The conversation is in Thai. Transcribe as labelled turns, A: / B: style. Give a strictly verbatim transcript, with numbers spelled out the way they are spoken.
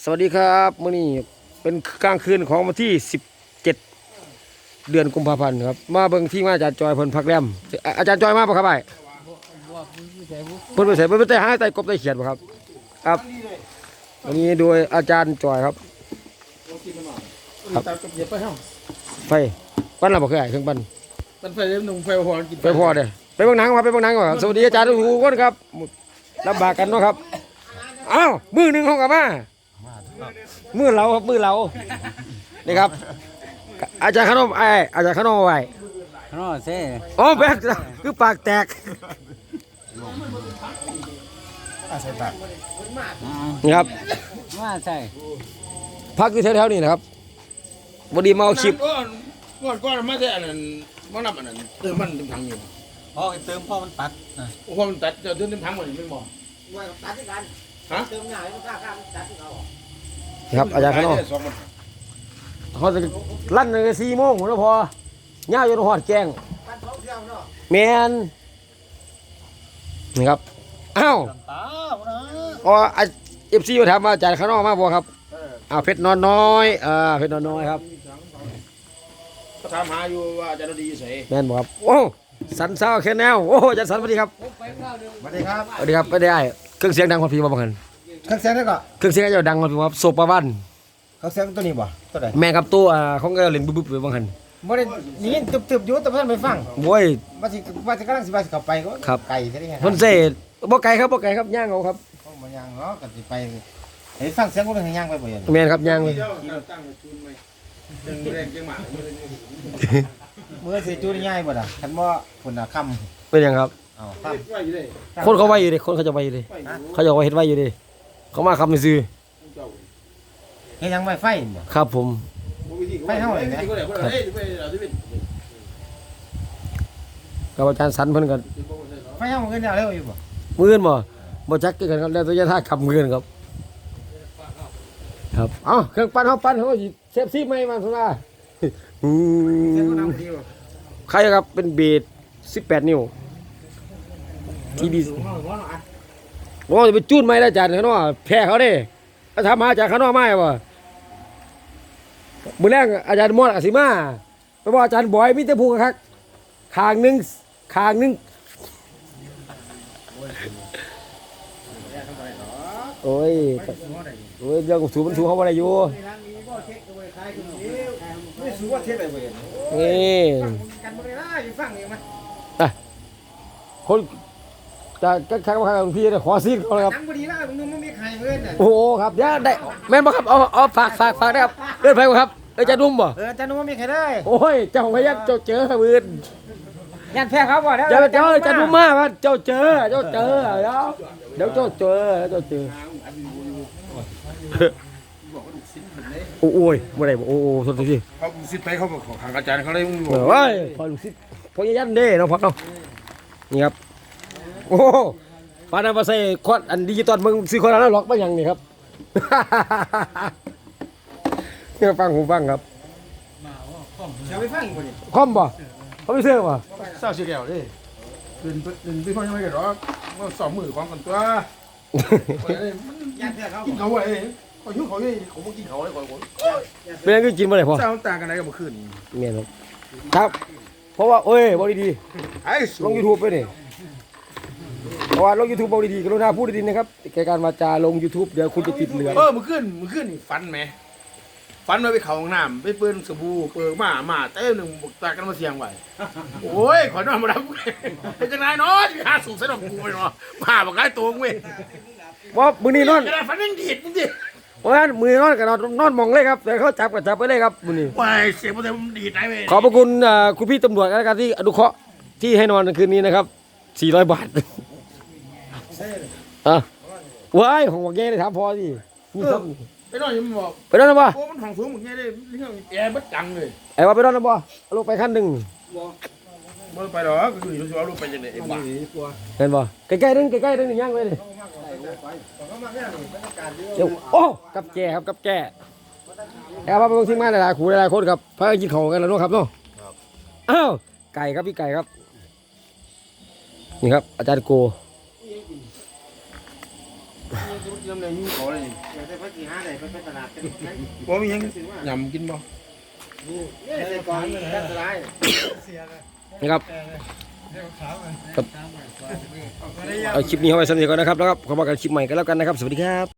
A: วัสดีครับมื้อนี้เป็นกลางคืนของวันที่สิบเจ็ดเดือนกุมภาพันธ์ครับมาเบิ่งที่มาอาจารย์จอยเพิ่นพักแรมอาจารย์จอยมาป่ะครับไอ้เพิ่นไปใส่เพิ่นไปใส่หาใต้กบใต้เขียดป่ะครับครับวันนี้โดยอาจารย์จอยครับครับไฟปั้นเราบ่เคยไอ้เครื่องปั้น
B: มันไฟหนุ่มไฟพอกิน
A: ไปพอเด้ไปเบิ่งหนังมาไปเบิ่งหนังก่อนสวัสดีอาจารย์ทุกคนครับลำบากกันเนาะครับอ้าวมือหนึงเฮาก็มามือเราครับมือเรานี่ครับอาจารย์ขนมไอ้อาจารย์ขนมไว้
C: นอเซ่
A: อ๋อแบกคือปากแตกนี่ครับ
C: มาใส่
A: พักอยู่แถวๆนี้นะครับบดีมาเอาคลิป
B: ก้อนก้อนก้อนมาแต่อันนั้นมันนับอันนั้นเติมมันเต็มถังอยู่
C: พอเติมพ่อมันตัด
B: โอ้โหมันตัดจะเติมเต็มถังหมดไม่บอก
D: ว่าตัดที่กัน
B: ฮะ
D: เติมหน่ายมันกล้าข้ามตัดที่เขา
A: นี่ครับอาจารย์ขนมเขาจะลั่นเลยสี่โมงแล้วพอย่าจนหอดแกง
D: ปันท้องเที่ยวเนาะ
A: แมนนี่ครับอ้าว
C: ตาเนาะ
A: อ๋อเอฟซีมาถามว่าอาจารย์ขนมมาบ่ครับอ้าวเพชรนอนน้อยอ่าเพชรนอนน้อยครับ
B: ก็ถามหาอยู่ว่าจะดีใส่
A: แมนบ่ครับโอ้สันเศร้าแค่แนวโอ้อาจารย์สันสวัสดีครับ
D: สวัสดีครับ
A: สวัสดีครับไม่ได้เครื่องเสียงดังกว่าพี่บ่บังคัน
D: เครื่องเสียงนี่ก็
A: เครื่องเสียงเจ้าดังกว่าพี่ครับโซปาวัน
D: เครื่องเสียงตัวนี้บ่ตัวไหน
A: แม่ครับตัวอ่าของเจ้าเล่นบึ้บๆไปบังคัน
D: บ่ได้ยินตึบๆอยู่แต่เพิ่นไม่ฟัง
A: โว้ย
D: ว่าสิว่าสิกำลังสิว่าสิเข้าไปก็
A: ครับ
D: ไก่ซะได้
A: เพิ่นเสษบ่ไกลครับบ่ไกลครับย่างเอาครับ
D: บ่ยังเนาะก็สิไปให้ฟังเสียงคนให้ย่างไปบ่ยัง
A: แม่นครับย่างเลย
B: ตั้งจูนไหมจังแรงจังหมา
D: มื้อสิจูดง่ายบ่ล่ะคันบ่พุ่นน่ะค่ำ
A: เป็นหยังครับ
D: อ้าวค่ำ
B: ว่าอยู่เลย
A: คนเขาไว้อยู่ดิคนเขาจะไว้อยู่ดิเขาจะไว้เฮ็ดไว้อยู่ดิเขามาคำซื้อ
D: เฮ็ดหยังไว้ไฟบ่
A: ครับผม
B: ไปเท่าไหร่นะเฮ้ยไปเราที่เป็น
A: กับอาจารย์สันเพิ่นก็
D: ไฟเฮามันก็แล้วเร็วอยู่บ่
A: มื้ออื่นบ่บ่จักคือกันครับแล้วแตัวยะท่าขับมื้ออื่นครับครับเอ้าเครื่องปั้นเฮาปั้นเฮาสิเซฟซีใหม่มาซั่นว่าอื
D: เสียงก็
A: ม
D: นำดีบ่
A: ใครครับเป็นเบสสิบแปดนิ้วทีบีโอ้จะไปจูนไหมล่ะอาจารย์เขาเนาะแพ้เขาเด้ถ้าทำมาจากข้างนอกไม่บ่มื้อแรกอาจารย์มอดอาสิมาไปบอกอาจารย์บอยมีแต่ผู้คักข้างหนึงข้างหนึงโอ้ยโอ้ยเรื่องสูบมันสูบเขาบ่ได้อยู่
D: ไม่สู้ว่าเทศได้บ่ยัง
A: นี่
D: กันบ่ได้นะอยู่ฟังนี่มั้ย
A: คนจะจะทางมาทางพี่เนี่ยขอซีดเขาเลยครับ
D: นังบ่ดีนะมึงมันมีใครเพิ่นน่ะ
A: โอ้โหครับเดี๋ยวได้แม่นบ่ครับเอาเอาฝากฝากฝากได้ครับเดินไปบ่ครับเอ้ยจะนุ่มบ่
D: เออจะนึกว่ามีใครได้
A: โอ้ยเจ้าพยักเจ้าเจอมืน
D: ยันแพ้เขาบ่แล้ว
A: เจ้าเจ้าจะนุ่มมากครับเจ้าเจอเจ้าเจอเดี๋ยวเดี๋ยวเจ้าเจอเจ้าเจอโอ้ยบ่ได้บ่โอ้โอ้สดสิ
B: เขาสิไปเขาบอกของอาจารย์เขาเลยมึงบ
A: เอ
B: อก
A: อเว้ยพอลูกศิษย์พอยันเด้เนาะพักเนาะนี่ครับโอ้ปานนั้นบ่ใส่คอดอันดิจิตอลมึงซื้อคอดแล้วล็อกมาหยังนี่ครับ เนี่ยฟังหูฟังครับ
D: จะไปฟังบ่นี่
A: คอมบ่เขาไม่เชื่อบ่
B: เศร้าเสียแล้วดิตื่นตื่นพี่พ่อยังไม่กันหรอกว่าสองมือของกันตัว
D: ยันแพ้เขา
B: กินเขาไอ้เขาหิวเขาเฮ้ยเขาไม่กินเขาเลยก่อนคน
A: เป็นยังก็กินบ่ได้พอ
B: เศร้าต่างกันไหนกับเมื่อคืน
A: เมียนครับครับ เพราะว่าเอ้ยบอกดี
B: ไอ้
A: ๆลง YouTube ไปนี่เพราะว่าลง YouTube บอกดีๆกรุณาพูดดีๆนะครับแกการวาจาลง YouTube เดี๋ยวคุณจะติดเหลือง
B: เออเมื่อคืนเมื่อคืนนี่ฟันไหมฟันไว้ไปเขาห้องน้ำไปเปิ้นสบู่เปิดมามาเต้หนึ่งบุกตากันมาเสียงไว้โอ้ยขอนอนมาดับเป็นจังไรเนาะหาสูบใส่ดอกกูไปเนาะมาบอกไอ้ตัวมึงเว้ย
A: ว่ามื้อนี้นอน
B: กระดาษฟันยังดีดมึงดิ
A: เพราะฉะนั้นมื้อนี้นอนก็นอนนอนมองเลยครับแต่เขาจับก็จับไปเลยครับมื้อนี้
B: ว้ายเสียงมันจะดีดไหนเว้ย
A: ขอบพระคุณอ่าคุณพี่ตำรวจแล้วกันที่อนุเคราะห์ที่ให้นอนในคืนนี้นะครับสี่ร้อยบาทอ่ะว้ายของว่าแกได้ถามพอสินี่ครับ
B: ไปนอนยังบอก
A: ไปนอนนะบ่
B: โอ้มันห้องสูงมึงไงได้เรื่องแอร์บัดจังเลย
A: ไอ้ว่าไปนอนนะบ่เอาลงไปขั้นหนึง
B: บ่ไปหรอกก็คือรู้สึกว่าลูกไปจังได๋ไอ้บ้า
A: เห็นบ่ใกล้ๆนึงใกล้ๆนึงย่างไว้เลยเดี๋ยวโอ้กับแก่ครับกับแก่แอบว่าไปเบิ่งทีมงานหลายๆขู่หลายๆคนครับพากันกินข้าวกันแล้วเนาะครับเนาะอ้าวไก่ครับพี่ไก่ครับนี่ครับอาจารย์โก
B: ยำเลยยุ่งเขาเลย
D: เดี๋ยวจะไปกี่ห้าได้ไปไปตลาดกันไหม
B: ว่ามียังยำกินบ่
D: นี่ใส่กองกันสลาย
A: นะครับครับเอาคลิปนี้เอาไว้สำหรับก่อนนะครับแล้วก็ขอมากันคลิปใหม่กันแล้วกันนะครับสวัสดีครับ